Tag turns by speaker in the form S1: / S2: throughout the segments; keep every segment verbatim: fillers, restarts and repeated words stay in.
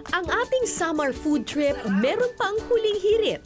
S1: Ang ating summer food trip meron pang huling hirit.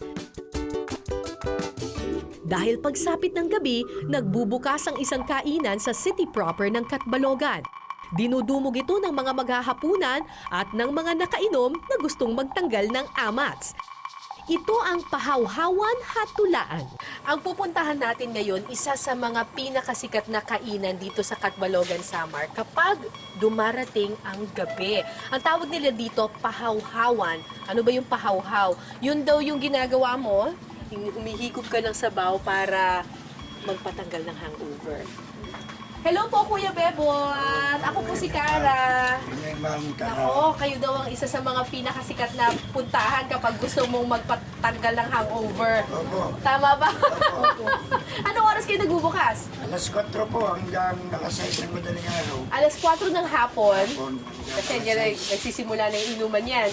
S1: Dahil pagsapit ng gabi, nagbubukas ang isang kainan sa city proper ng Catbalogan. Dinudumog ito ng mga maghahapunan at ng mga nakainom na gustong magtanggal ng amats. Ito ang Pahawhawan Hatulaan. Ang pupuntahan natin ngayon, isa sa mga pinakasikat na kainan dito sa Catbalogan, Samar kapag dumarating ang gabi. Ang tawag nila dito, Pahawhawan. Ano ba yung pahawhaw? Yun daw yung ginagawa mo, humihigop ka ng sabaw para magpatanggal ng hangover. Hello po, Kuya Bebot! Ako po si Cara. Ako, kayo daw ang isa sa mga pinakasikat na puntahan kapag gusto mong magpatanggal ng hangover.
S2: Opo.
S1: Tama ba?
S2: Opo.
S1: Anong oras kayo nagbubukas?
S2: Alas kwatro po hanggang alas sais ng madaling araw.
S1: Alas kwatro ng hapon.
S2: Hapon.
S1: Kasi yan, nagsisimula na yung inuman yan.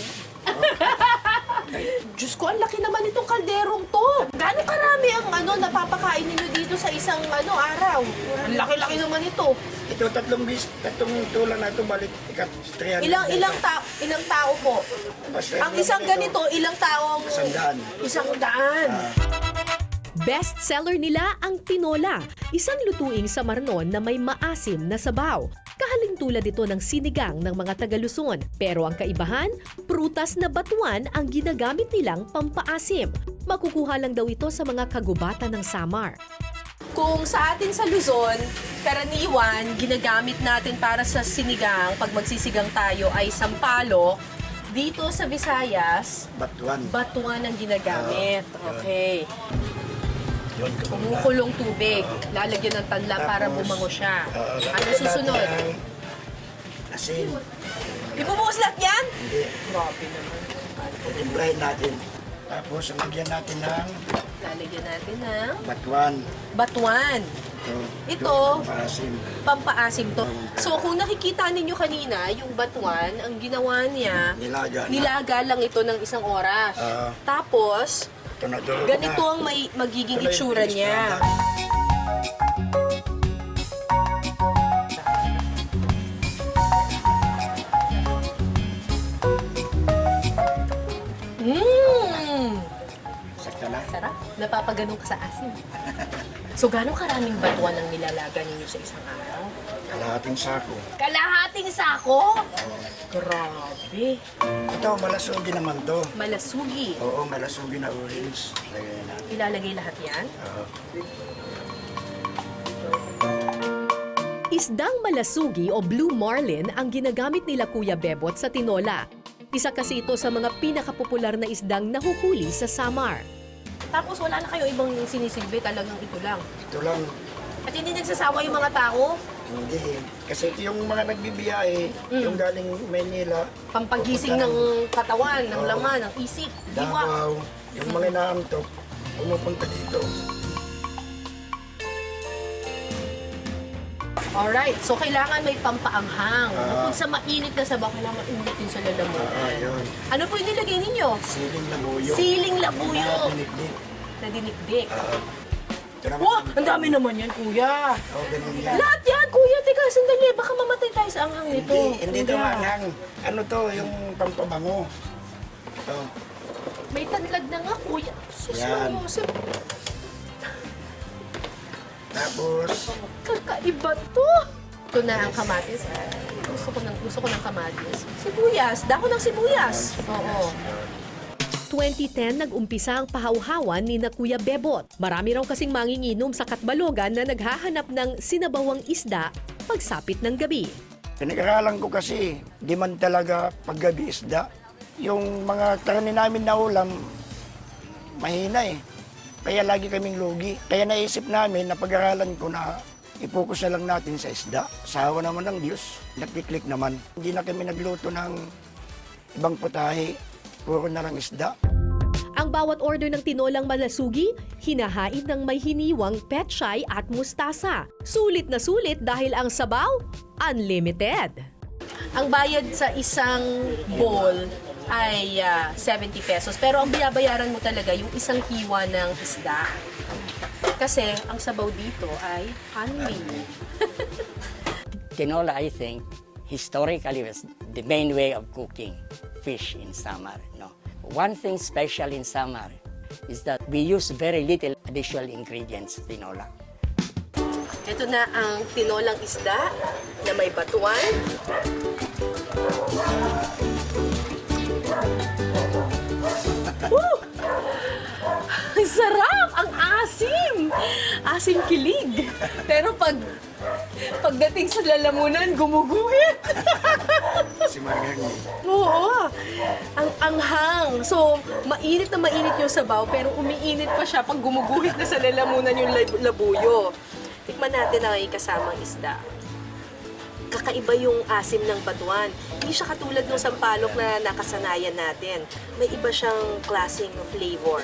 S1: Diyos ko, ang laki naman itong kalderong to. Gaano karami ang ano, napapakain ninyo dito sa isang ano araw? Ang laki-laki naman ito.
S2: Ito tatlong bis, tatlong tulang na ito balik ikat three hundred.
S1: Ilang ilang tao, ilang tao po?
S2: Basta
S1: Ang isang ganito, ilang taong
S2: Isang daan.
S1: Isang daan.
S2: Ah.
S1: Best seller nila ang tinola, isang lutuing sa marnon na may maasim na sabaw. Kahaling tulad ito ng sinigang ng mga taga-Luzon. Pero ang kaibahan, prutas na batuan ang ginagamit nilang pampaasim. Makukuha lang daw ito sa mga kagubatan ng Samar. Kung sa atin sa Luzon, karaniwan, ginagamit natin para sa sinigang, pag magsisigang tayo ay sampalok. Dito sa Visayas,
S2: Batuan.
S1: batuan ang ginagamit. Okay.
S2: Yun,
S1: Kumukulong tubig. Lalagyan ng tanla para
S2: Tapos,
S1: bumango siya.
S2: Oo,
S1: Ano
S2: lagyan
S1: susunod?
S2: natin ng Asin.
S1: Ibubuhos lahat yan?
S2: Hindi.
S1: Grabe naman.
S2: Timplahin natin. Tapos lagyan natin ng
S1: Lalagyan natin ng
S2: batuan.
S1: batuan.
S2: Ito.
S1: Ito.
S2: Pasim.
S1: Pampaasim to. So kung nakikita ninyo kanina, yung batuan, ang ginawa niya,
S2: Nilaga na.
S1: nilaga lang ito ng isang oras.
S2: Oo.
S1: Tapos,
S2: Ito na durog
S1: ganito
S2: na.
S1: ang may magiging
S2: Ito na yung
S1: itsura
S2: taste
S1: niya.
S2: na.
S1: Mmm!
S2: Sakta na.
S1: Sarap. Napapaganong ka sa asim. So, gano'ng karaming batuan ang nilalaga ninyo sa isang araw?
S2: Kalahating sako.
S1: Kalahating sako? Grabe.
S2: Ito, malasugi naman to.
S1: Malasugi.
S2: Oo, malasugi na orange. Lagyan natin.
S1: Ilalagay lahat yan?
S2: Oo.
S1: Isdang malasugi o blue marlin ang ginagamit nila Kuya Bebot sa tinola. Isa kasi ito sa mga pinakapopular na isdang nahuhuli sa Samar. Tapos wala na kayo ibang sinisilbi, talagang ito lang.
S2: Ito lang.
S1: At hindi nagsasawa yung mga tao,
S2: Hindi. Kasi ito yung mga nagbibiyahe, yung galing Maynila,
S1: pampagising ng katawan, ng
S2: Oo.
S1: laman, ng isip, diwa.
S2: Davao, yung mga inaantok, pumupunta dito.
S1: Alright, so kailangan may pampaanghang.
S2: Ah.
S1: Bukod sa mainit na sabaw, kailangan umitin sa
S2: Ah,
S1: lalamunan.
S2: yun.
S1: Ano po yung nilagay ninyo?
S2: Siling na buyo.
S1: Siling labuyo.
S2: Dinikdik.
S1: Na dinikdik.
S2: Oo. Ito naman.
S1: Wow, ang dami naman yan, kuya.
S2: Oo, ganun yan.
S1: Lahat yan, kuya. Teka, sandali. Baka mamatay tayo sa anghang nito.
S2: Hindi, hindi ito
S1: Kuya.
S2: manghang. Ano to, yung pampabango. Ito.
S1: May tanlad na nga, kuya. Sus,
S2: Yan.
S1: Joseph.
S2: Tapos,
S1: Kakaiba to. Ito na ang kamatis. Gusto ko ng, gusto ko ng kamatis. Sibuyas. Dako ng sibuyas. Oo. twenty ten nag-umpisa ang pahawhawan ni na Kuya Bebot. Marami raw kasing manginginom sa Catbalogan na naghahanap ng sinabawang isda pagsapit ng gabi.
S2: pinag-aralan ko kasi, di man talaga paggabi isda. Yung mga karni namin na ulam, mahina eh. Kaya lagi kaming lugi. Kaya naisip namin na pag-aralan ko na i-focus na lang natin sa isda. Sa awa naman ng Diyos, nakiklik naman. Hindi na kami nagluto ng ibang putahe, puro na lang isda.
S1: Ang bawat order ng tinolang malasugi, hinahain ng may hiniwang petchay at mustasa. Sulit na sulit dahil ang sabaw, unlimited. Ang bayad sa isang bowl ay ah, seventy pesos. Pero ang binabayaran mo talaga yung isang hiwa ng isda. Kasi ang sabaw dito ay honey.
S3: Tinola, I think, historically was the main way of cooking. fish in summer. No? One thing special in summer is that we use very little additional ingredients in tinola.
S1: Ito na ang tinolang isda na may batuan. Woo! Ang sarap! Ang asim! Asim kilig. Pero pag pagdating sa lalamunan, gumuguhit.
S2: Si Margarita.
S1: Oo. Ang anghang. So, mainit na mainit yung sabaw, pero umiinit pa siya pag gumuguhit na sa lalamunan yung lab- labuyo. Tikman natin ang kasamang isda. Kakaiba yung asim ng batuan. Hindi siya katulad ng sampalok na nakasanayan natin. May iba siyang klaseng flavor.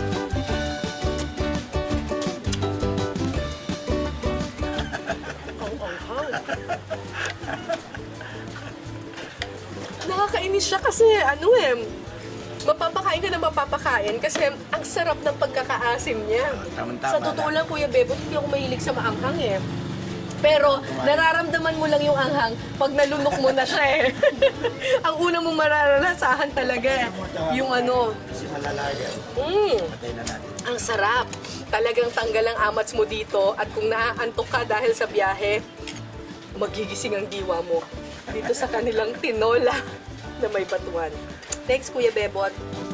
S1: Ang anghang. Nakakainis siya kasi ano eh, mapapakain ka na mapapakain kasi ang sarap ng pagkakaasim niya.
S2: Tama-tama
S1: Sa totoo lang, Kuya Bebo, hindi ako mahilig sa maanghang eh. Pero nararamdaman mo lang yung anghang pag nalunok mo na siya eh. Ang una mong mararanasahan talaga eh, yung ano,
S2: Si Malalaga.
S1: mm,
S2: Patay na natin.
S1: ang sarap. Talagang tanggal ang amats mo dito at kung naaantok ka dahil sa biyahe, magigising ang diwa mo dito sa kanilang tinola na may batuan. Thanks, Kuya Bebot.